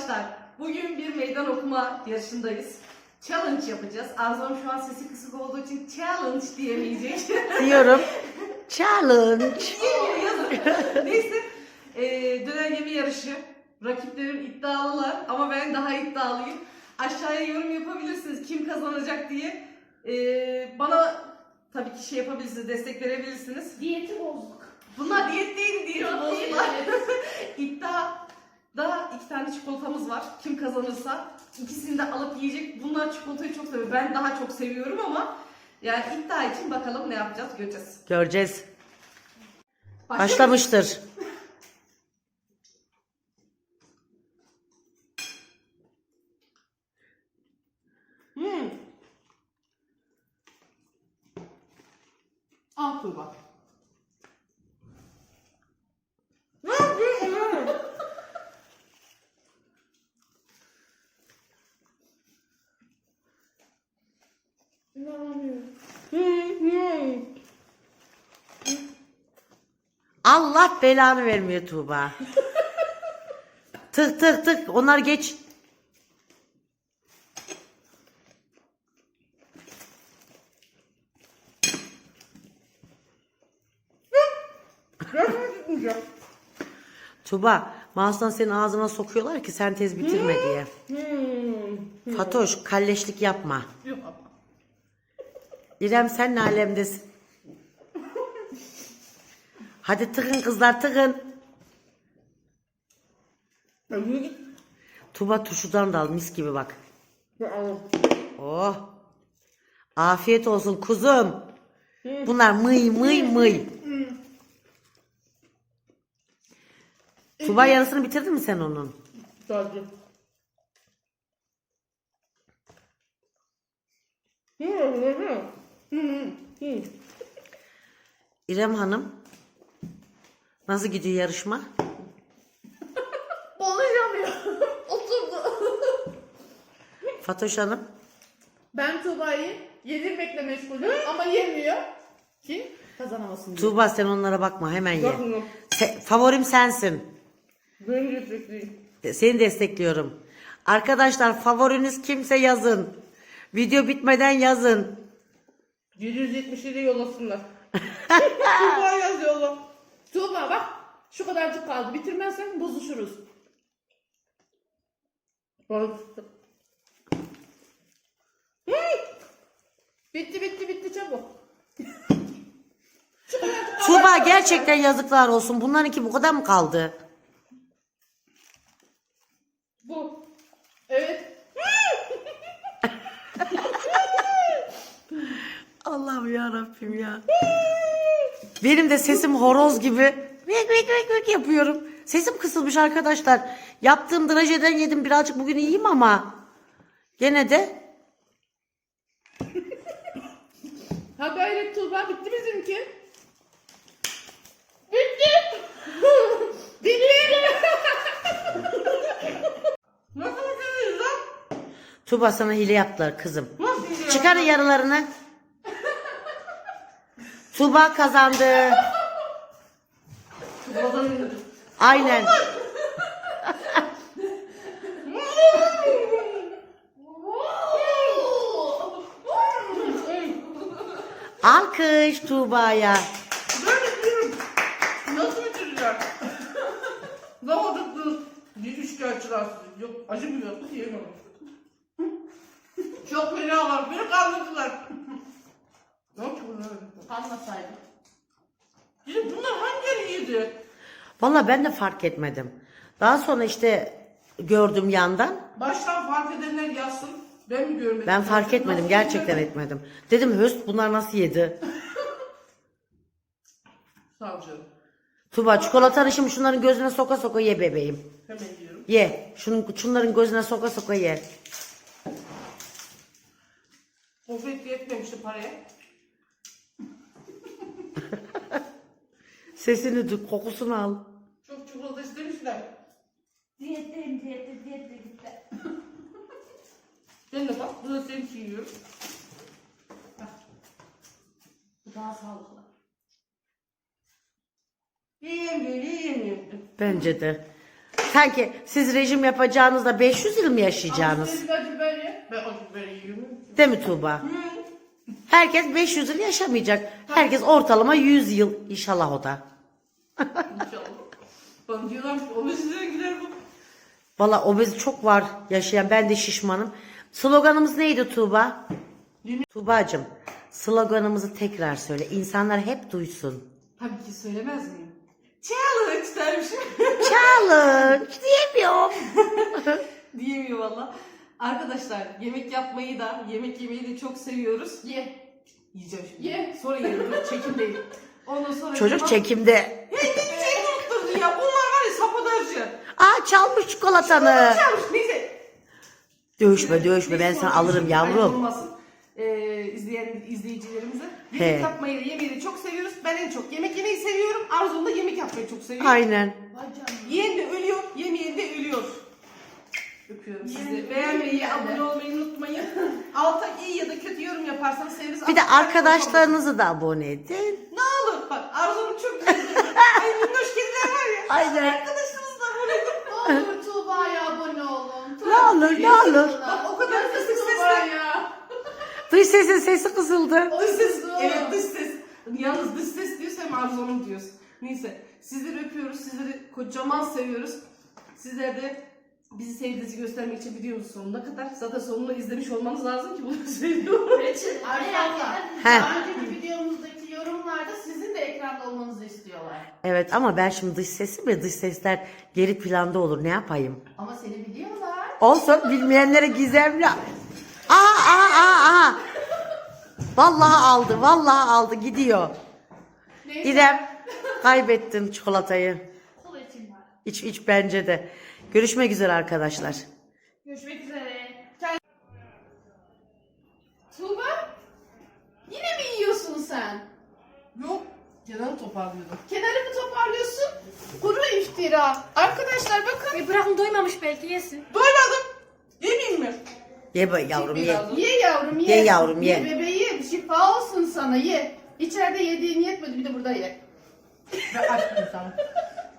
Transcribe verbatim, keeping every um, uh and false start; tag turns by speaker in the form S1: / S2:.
S1: Arkadaşlar bugün bir meydan okuma yarışındayız. Challenge yapacağız. Arzum şu an sesi kısık olduğu için challenge diyemeyecek.
S2: Diyorum. Challenge.
S1: Neyse. Ee, döner yeme yarışı. Rakiplerim iddialılar ama ben daha iddialıyım. Aşağıya yorum yapabilirsiniz kim kazanacak diye. Ee, bana tabii ki şey yapabilirsiniz, destek verebilirsiniz.
S3: Diyeti bozduk.
S1: Bunlar diyet değil diyet
S3: Yok, değil,
S1: bozdular.
S3: evet.
S1: İddia da iki tane çikolatamız var. Kim kazanırsa ikisini de alıp yiyecek. Bunlar çikolatayı çok seviyor. Ben daha çok seviyorum ama yani iddia için bakalım ne yapacağız göreceğiz.
S2: Göreceğiz.
S1: Başlıyoruz.
S2: Başlamıştır.
S1: Hmm. Al Tuğba. Ne yapıyorsun?
S3: İnanamıyorum.
S2: Allah belanı vermiyor Tuğba. Tık tık tık. Onlar geç. Tuğba, mouse'dan senin ağzına sokuyorlar ki sen tez bitirme diye. Fatoş, kalleşlik yapma.
S1: Yok ama.
S2: İrem sen ne alemdesin? Hadi tıkın kızlar tıkın. Tuğba tuşudan da al mis gibi bak. Oh. Afiyet olsun kuzum. Bunlar mıy mıy mıy. Tuğba yarısını bitirdin mi sen onun?
S3: Tabii.
S2: İrem Hanım. Nasıl gidiyor yarışma?
S3: Konuşamıyor. Oturdu.
S2: Fatoş Hanım.
S3: Ben Tuğba'yı yedirmekle meşgulüm ama yemiyor. Kim? Kazanamasın diye.
S2: Tuğba sen onlara bakma hemen ye.
S3: Bakmıyorum.
S2: Se- favorim sensin.
S3: Ben destekliyorum.
S2: Seni destekliyorum. Arkadaşlar favoriniz kimse yazın. Video bitmeden yazın.
S3: yedi yüz yetmiş yedi yollasınlar. Tuğba yazıyorlar. Tuğba bak. Şu kadarcık kaldı. Bitirmezsen bozuşuruz. Bak. Hı! Bitti bitti bitti çabuk.
S2: Tuğba gerçekten yazıklar olsun. Bunlarınki bu kadar mı kaldı?
S3: Bu. Evet.
S2: Allah'ım ya Rabbim ya. Benim de sesim horoz gibi vek vek vek vek yapıyorum. Sesim kısılmış arkadaşlar. Yaptığım drajeden yedim birazcık bugün iyiyim ama gene de
S3: Ha gayret Tuğba bitti bizimki. Bitti. Bitti.
S1: Nasıl bitirdiniz lan?
S2: Tuğba sana hile yaptılar kızım.
S1: Nasıl bitirdiniz?
S2: Çıkarın yarılarını. Tuğba kazandı.
S1: Tuğba'dan indim.
S2: Aynen. Alkış Tuğba'ya.
S1: Ben bitiririm. Nasıl bitireceğim? Zamadıklı bir üçkağıtçılar sizi. Yok acımıyor. Yiyemem. Çok fena var. Beni kandırdılar. Ne yapıyor bunlar?
S3: Anlasaydım.
S1: Şimdi bunlar hangileri yedi?
S2: Vallahi ben de fark etmedim. Daha sonra işte gördüm yandan.
S1: Baştan fark edenler yazsın. Ben mi görmedim?
S2: Ben fark etmedim.
S1: Nasıl
S2: Gerçekten
S1: yedi?
S2: etmedim. Dedim höst bunlar nasıl yedi?
S1: Sağ ol canım.
S2: Tuğba çikolatanı şimdi şunların gözüne soka soka ye bebeğim.
S1: Hemen yiyorum.
S2: Ye. Şunun, şunların gözüne soka soka ye.
S1: Gofret yetmemişti paraya.
S2: Sesini duy, kokusunu al.
S1: Çok çikolata istemişler.
S3: Diyetteyim diyette diyette gitti.
S1: Ben de bak bu da senin için yiyorum.
S3: Bu daha sağlıklı.
S1: Yiyeyim diyor, yiyeyim diyor.
S2: Bence de. Sanki siz rejim yapacağınızda beş yüz yıl mı yaşayacaksınız?
S3: Siz acı biber ye. Ben acı biberi yiyorum.
S2: Değil mi Tuğba? Herkes beş yüz yıl yaşamayacak. Herkes ortalama yüz yıl. İnşallah o da.
S3: İnşallah. Bana diyorlar ki obeziteye gider bu.
S2: Valla obez çok var yaşayan. Ben de şişmanım. Sloganımız neydi Tuğba? Tuğbacığım, sloganımızı tekrar söyle. İnsanlar hep duysun.
S1: Tabii ki söylemez miyim? Challenge dermişim.
S2: Challenge diyemiyorum.
S1: Diyemiyor valla. Arkadaşlar yemek yapmayı da, yemek yemeyi de çok seviyoruz.
S3: Ye.
S1: Yiyeceğim şimdi.
S3: Ye.
S1: Sonra yerim. Çekimdeyim. Ondan sonra...
S2: Çocuk çekimde.
S1: Hey ne şey unutturdu ya. Bunlar var ya sabotajcı.
S2: Aa çalmış çikolatanı.
S1: Çalmış. Neyse.
S2: Dövüşme dövüşme ben sana alırım yavrum.
S1: Olmasın. Ee, izleyen izleyicilerimize.
S2: He.
S1: Yemek yapmayı da yemeyi de çok seviyoruz. Ben en çok yemek yemeyi seviyorum. Arzu da yemek yapmayı çok seviyor.
S2: Aynen.
S3: Vay canına.
S1: Yiyen de ölüyor, yemeyen de ölüyor. Öpüyorum sizi. Beğenmeyi, abone olmayı unutmayın. Alta iyi ya da kötü yorum yaparsanız seviniriz.
S2: Bir de
S1: Altta
S2: arkadaşlarınızı da abone edin.
S1: ne olur bak Arzu'nun çok güzel. Ay minnoş kediler var ya.
S2: Aynen.
S1: Arkadaşlarınızı da abone edin.
S3: Ne olur Tuğba'ya abone olun.
S2: Ne olur ne olur.
S1: Bak o kadar
S3: Yazık
S1: kısık
S3: Tuğba
S1: sesle.
S3: ya.
S2: Dış sesin sesi kısıldı.
S1: Dış ses.
S3: Olsun.
S1: Evet dış ses. Yalnız dış ses diyorsa hem Arzu'nun diyoruz. Neyse sizleri öpüyoruz. Sizleri kocaman seviyoruz. Sizler de bizi sevdiğinizi göstermek için videonun sonuna kadar zaten sonunu izlemiş olmanız lazım ki bunu söylüyorum.
S3: Arkadaşlar
S2: Heh.
S3: daha önceki videomuzdaki yorumlarda sizin de ekranda olmanızı istiyorlar.
S2: Evet ama ben şimdi dış sesim ve dış sesler geri planda olur. Ne yapayım?
S3: Ama seni biliyorlar.
S2: Olsun bilmeyenlere gizemli. Aa aa aa aa. Vallahi aldı, vallahi aldı gidiyor.
S3: Neyse.
S2: İrem kaybettin çikolatayı.
S3: Kol için var.
S2: İç iç bence de. Görüşmek üzere arkadaşlar.
S3: Görüşmek üzere. Kend- Tuğba? Yine mi yiyorsun sen?
S1: Yok. Kenarı toparlıyordum.
S3: Kenarı mı toparlıyorsun? Kuru iftira. Arkadaşlar bakın.
S4: E bırakın doymamış belki yesin.
S1: Doymadım. Yemeyeyim mi?
S2: Ye be yavrum ye.
S1: Biraz.
S3: Ye yavrum ye.
S2: Ye yavrum, ye.
S3: Ye bebeğim şifa olsun sana ye. İçeride yediğin yetmedi bir de burada ye.
S1: Ben açmayayım sana.